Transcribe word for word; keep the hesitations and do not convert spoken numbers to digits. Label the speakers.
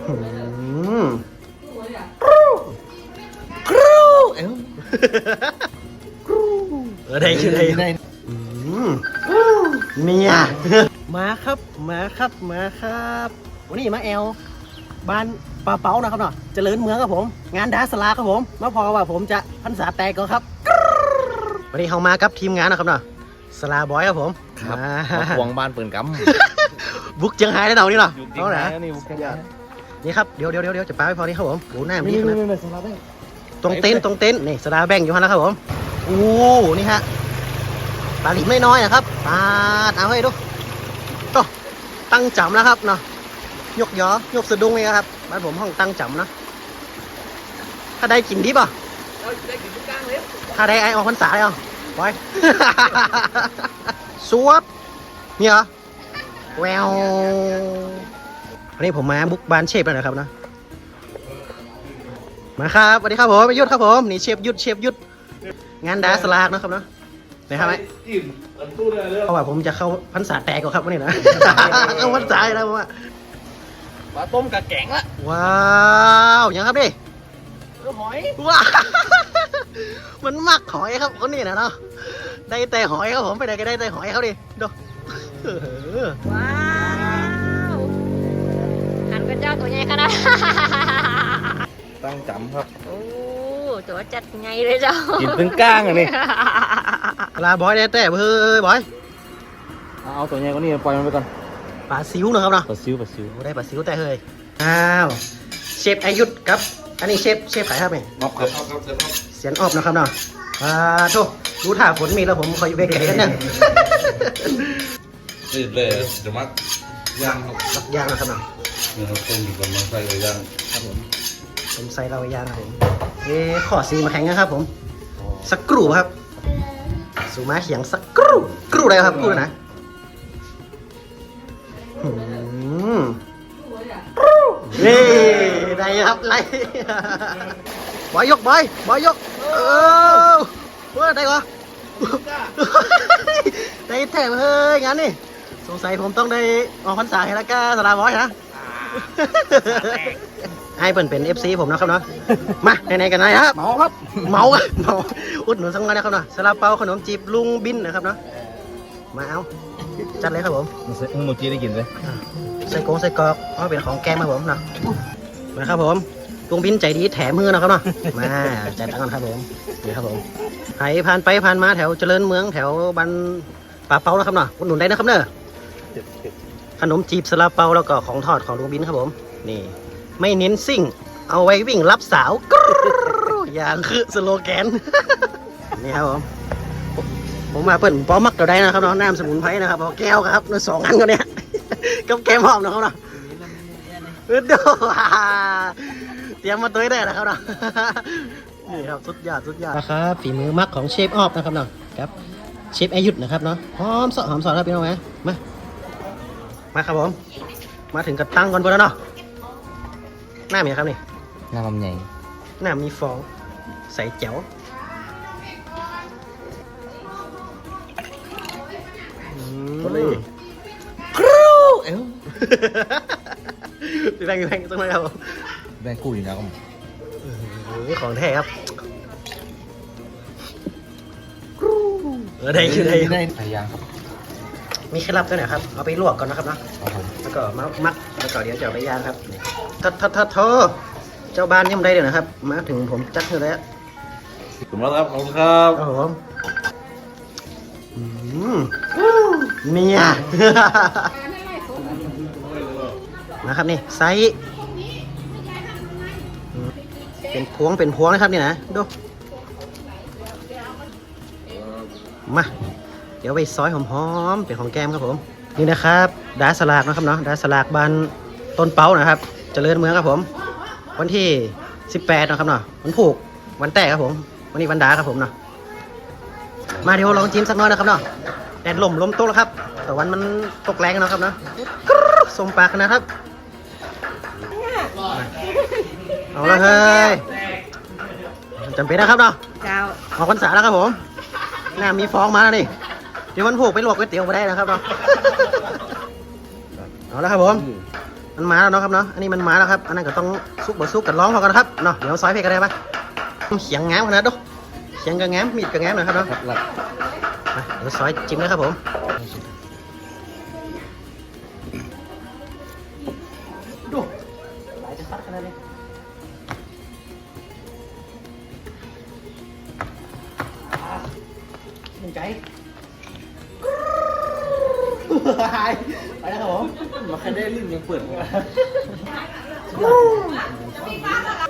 Speaker 1: อืมกรูกรูเอ้า กรูเออได้ชื่อได้ได้อืมเมียมาครับมาครับมาครับวันนี้มาแอลบ้านปลาเป๋านะครับเนาะเจริญเมืองครับผมงานดาสลาครับผมมาพอว่าผมจะพรรษาแตกก็ครับวันนี้เขามากับทีมงานนะครับเนาะสลาบอยครับผม
Speaker 2: ครับ
Speaker 1: มา
Speaker 2: มาควงบ้านปืนกำ
Speaker 1: บุกเจียงไฮ้ได้เนาะนี่เนาะ
Speaker 2: อยู่จริง
Speaker 1: เอา
Speaker 2: นะ
Speaker 1: ละ
Speaker 2: นี่บุก
Speaker 1: นี่ครับเดี๋ยวเดี๋ยวเดี๋ยวจะปาไปพอนี้ครับผมโอ้หน้ามี
Speaker 2: นี่
Speaker 1: ขนาด
Speaker 2: นี่นี่สลาได้
Speaker 1: ตรงเต็นท์ตรงเต็นท์นี่สลาแบ่งอยู่ฮะแล้วครับผมโอ้นี่ฮะปลาหลิมไม่น้อยนะครับปาดเอาให้ดูโตตั้งจำแล้วครับเนาะยกยอยกสะดุ้งเลยครับบ้านผมห้องตั้งจำนะถ้าได้กินดิป่ะถ้าได้ไอออกพรรษาเลยเหรอไป สวบนี่เหรอแวววันนี้ผมมาบุกบ้านเชฟแล้วนะครับนะมาครับสวัสดีครับผมประยุทธ์ครับผมนี่เชฟยุทธเชฟยุทธงานดาสลากนะครับเนาะไหนครับไหมเพราะว่าผมจะเข้าพรรษาแตกก่อนครับวันนี้นะ เข้าพรรษาแล้วผมว่า
Speaker 2: ปลาต้มกับแกงละ
Speaker 1: ว้าวยังครับดิ
Speaker 2: ก็หอย
Speaker 1: ว้าว มันมักหอยครับคนนี้นะเนาะได้แต่หอยครับผมไปไหนก็ได้แต่หอยเขาดิดูเออ
Speaker 3: ว้าวหันกระเจ้าตัวใหญ่ขนาด
Speaker 2: ตั้งจำครับ
Speaker 3: โอ้ตัวจัดไงเลยเจ้า
Speaker 2: กินตึงก้างอันนี้
Speaker 1: ลาบอยได้แต่เฮ้ยบอย
Speaker 2: เอาตัวใหญ่กว่านี้ปล่อยมันไปก่อน
Speaker 1: ปลาซิวนะครับเนาะ
Speaker 2: ปลาซิวปลาซิว
Speaker 1: ได้ปลาซิวแต่เฮ้ยอ้าวเชฟอายุทธครับอันนี้เชฟเชฟขายครับไหม
Speaker 2: มอบครับ
Speaker 1: เสียนออบนะครับเนาะอ่าโธ่รู้ท่าฝนมีแล้วผมคอยอยู่เบรกไก่กันเนี่ย
Speaker 4: ติดเลยจะมัดย่างครับ
Speaker 1: รับยางนะครับเนาะ
Speaker 4: เนื้อต้มกำลังใส่เลยย่าง
Speaker 1: ครับผมผมใส่เรายางครับผมเอ๊ะขอซีมาแข่งนะครับผมสักกรูครับสูมาเขียงสักกรูกรูอะไรครับกรูนะอืมนี่ได้ครับไล่ บอยยกบอยบอยยกเออเว้ยได้เหรอ ได้แถมเฮ้ยงั้นนี่สงสัยผมต้องได้ออกพรรษาให้ละก้าสลาบอยนะ ให้เปิ่นเป็น เอฟ ซี ผมนะครับเนาะมาไหนๆกันนะครับ
Speaker 2: เมาครับ
Speaker 1: เมาอะเมาอุดหนุนสักหน่อยนะครับเนาะซาลาเปาขนมจีบลุงบินนะครับเนาะมาเอาจัดเลยครับผม
Speaker 2: มึงโมจิได้กินไหม
Speaker 1: ใส่กงใส่กรอกเอาเป็นของแกมครับผมเนาะมาครับผมลุงบินใจดีแถมมือนะครับเนาะมาจัดกันครับผมนี่ครับผมใครผ่านไปผ่านมาแถวเจริญเมืองแถวบันป่าเปานะครับเนาะอุดหนุนได้นะครับเนอะขนมจีบซาลาเปาแล้วก็ของทอดของลุงบินครับผมนี่ไม่เน้นซิ่งเอาไว้วิ่งรับสาวกรู๊ดอย่างคือสโลแกน นี่ครับผมผมมาเปิดป้อมักเราได้นะครับเนาะน้ำสมุนไพรนะครับเอาแก้วครับเนื้อสองอันก็เนี่ย กับแก้มหอมนะครับเนาะเออเด้อเตรียมมาตัวได้นะครับเนาะ นี่ครับสุดยอดสุดยอดนะครับฝีมือมักของเชฟออฟนะครับเนาะครับเชฟอายุทธนะครับเนาะหอมสดหอมสดครับพี่น้องไหมมามาครับผมมาถึงกับตั้งก่อนพอแล้วเนาะหน้ามีครับนี่
Speaker 2: น้ำมันใหญ่
Speaker 1: หน้ามีฟองใส่แจ๋วครูเอ้า พี่แบงค์พี่แบงค์ต้องมาครับผม
Speaker 2: แบงกู้อยู่นะครับ
Speaker 1: นี่ของแท้ครับครูเออได้คือได้
Speaker 2: ได้ไก่ย่างครับ
Speaker 1: มีเคล็ดลับด้วยนะครับเอาไปลวกก่อนนะครับเนาะ
Speaker 2: ครับผม
Speaker 1: แล้วก็มามัดแล้วก็เดี๋ยวจะเอาไปย่างครับนี่ทัดทัดทัดโทเจ้าบ้านยังไม่ได้เลยนะครับมาถึงผมจัดให้แล้ว
Speaker 4: ขอบคุณมากครับขอบคุณครับ
Speaker 1: ครับผมอืมเมีย นะครับนี่ไซส์อืมเป็นพวงเป็นพวงนะครับนี่นะดูมาเดี๋ยวไปซอยหอมๆเป็นของแก้มครับผมนี่นะครับดาสลากนะครับเนาะดาสลากบานต้นเป้านะครับเจริญเมืองครับผมวันที่สิบแปดนะครับเนาะวันผูกวันแตกครับผมวันนี้วันดาครับผมเนาะมาเดี๋ยวลองจิ้มสักหน้อยนะครับเนาะแดดลมลมตกแล้วครับแต่วันมันตกแรงนะครับเนาะกรึ๊บสมปากนะครับเอาละเฮ้ยจำเป็นนะครับเนาะ
Speaker 3: เจ้า
Speaker 1: ออกพรรษาแล้วครับผมหน้ามีฟองมาแล้วนี่เดี๋ยวมันผูกไปลวกก๋วยเตี๋ยวมาได้นะครับเนาะเอาละครับผมมันมาแล้วเนาะครับเนาะอันนี้มันมาแล้วครับอันนั้นก็ต้องซุกบ่ซุกกันร้องพอกันนะครับเนาะเดี๋ยวซอยเพกันได้ปะเขียงงามขนาดดูเขียงก็งามมีดก็งามนะครับเนาะ
Speaker 2: หลัก
Speaker 1: มาเดี๋ยวซอยจิ้มเลยครับผมดูหลายจะซัดขนาดนี้หนึ่งใจไปแล้วครับผม
Speaker 2: มาแค่ได้ลิ้นยังเปิด
Speaker 1: สุดยอด